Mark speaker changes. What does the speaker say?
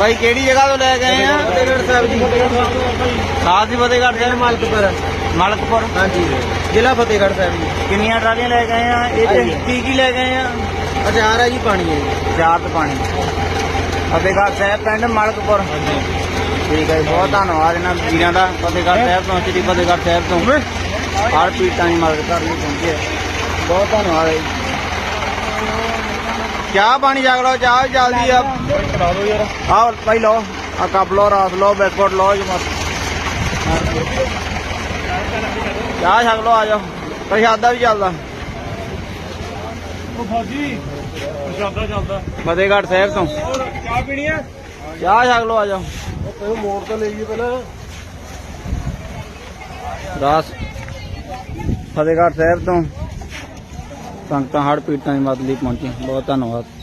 Speaker 1: भाई केड़ी जगह तो ले गए हैं?
Speaker 2: फतेहगढ़ साहब जी।
Speaker 1: साथ ही फतेहगढ़ साहब
Speaker 2: मालकपुर।
Speaker 1: मालकपुर।
Speaker 2: हाँ जी, जिला फतेहगढ़ साहब जी।
Speaker 1: किनिया ट्रालियां ले गए हैं? ये की ले गए हैं?
Speaker 2: अचार है जी, पानी है जी।
Speaker 1: चार तो पानी। फतेहगढ़ साहब पिंड मालकपुर। ठीक है, बहुत धन्यवाद इन्होंने वीरों का। फतेहगढ़ साहब तो श्री फतेहगढ़ साहब तो हर पीड़ितां की मदद करने पहुंचे। बहुत धन्यवाद है। चाह पानी जग लो, चाह जल्दी अब आओ भाई लो, आ कप लो, रात लो, बिस्कुट लो जी मत चाह छक लो, आ जाओ। प्रशादा भी चलता फतेहगढ़ साहब तो चाह पीनी है, चाह छक लो, आ जाओ।
Speaker 2: मोड़ तो लीजिए पहले।
Speaker 1: दास फतेहगढ़ साहब तो संगतां हड़ पीड़ितां की मदद लई पहुंची। बहुत धन्यवाद।